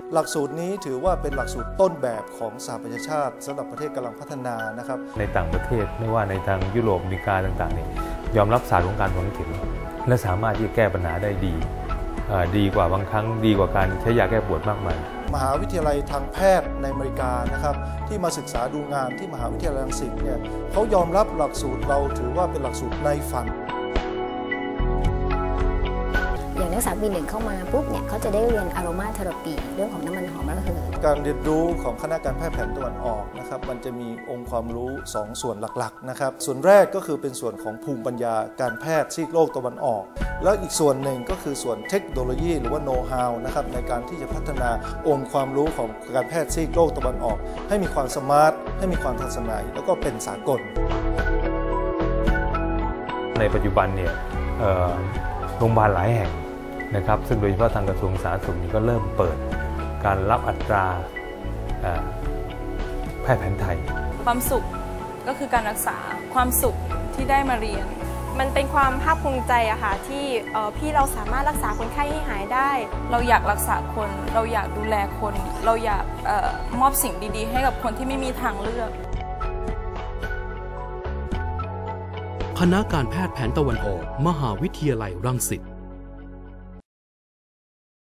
หลักสูตรนี้ถือว่าเป็นหลักสูตรต้นแบบของสหประชาชาติสำหรับประเทศกำลังพัฒนานะครับในต่างประเทศไม่ว่าในทางยุโรปอเมริกาต่างๆนี่ยอมรับศาสตร์ของการฝังเข็มและสามารถที่จะแก้ปัญหาได้ดีกว่าบางครั้งดีกว่าการใช้ยาแก้ปวดมากมายมหาวิทยาลัยทางแพทย์ในอเมริกานะครับที่มาศึกษาดูงานที่มหาวิทยาลัยรังสิตเนี่ยเขายอมรับหลักสูตรเราถือว่าเป็นหลักสูตรในฝันอย่างนักศึกษาปี 1เข้ามาปุ๊บเนี่ยเขาจะได้เรียนอโรมาเทอราปีเรื่องของน้ำมันหอมระเหยการเรียนรู้ของคณะการแพทย์แผนตะวันออกนะครับมันจะมีองค์ความรู้2ส่วนหลักๆนะครับส่วนแรกก็คือเป็นส่วนของภูมิปัญญาการแพทย์ซีกโลกตะวันออกแล้วอีกส่วนหนึ่งก็คือส่วนเทคโนโลยีหรือว่าโน้ตฮาวนะครับในการที่จะพัฒนาองค์ความรู้ของการแพทย์ซีกโลกตะวันออกให้มีความสมาร์ทให้มีความทันสมัยแล้วก็เป็นสากลในปัจจุบันเนี่ยโรงพยาบาลหลายแห่งนะครับซึ่งโดยเฉพาะทางกระทรวงสาธารณสุขก็เริ่มเปิดการรับอัตราแพทย์แผนไทยความสุขก็คือการรักษาความสุขที่ได้มาเรียนมันเป็นความภาคภูมิใจอะค่ะที่พี่เราสามารถรักษาคนไข้ให้หายได้เราอยากรักษาคนเราอยากดูแลคนเราอยากมอบสิ่งดีๆให้กับคนที่ไม่มีทางเลือกคณะการแพทย์แผนตะวันออกมหาวิทยาลัยรังสิต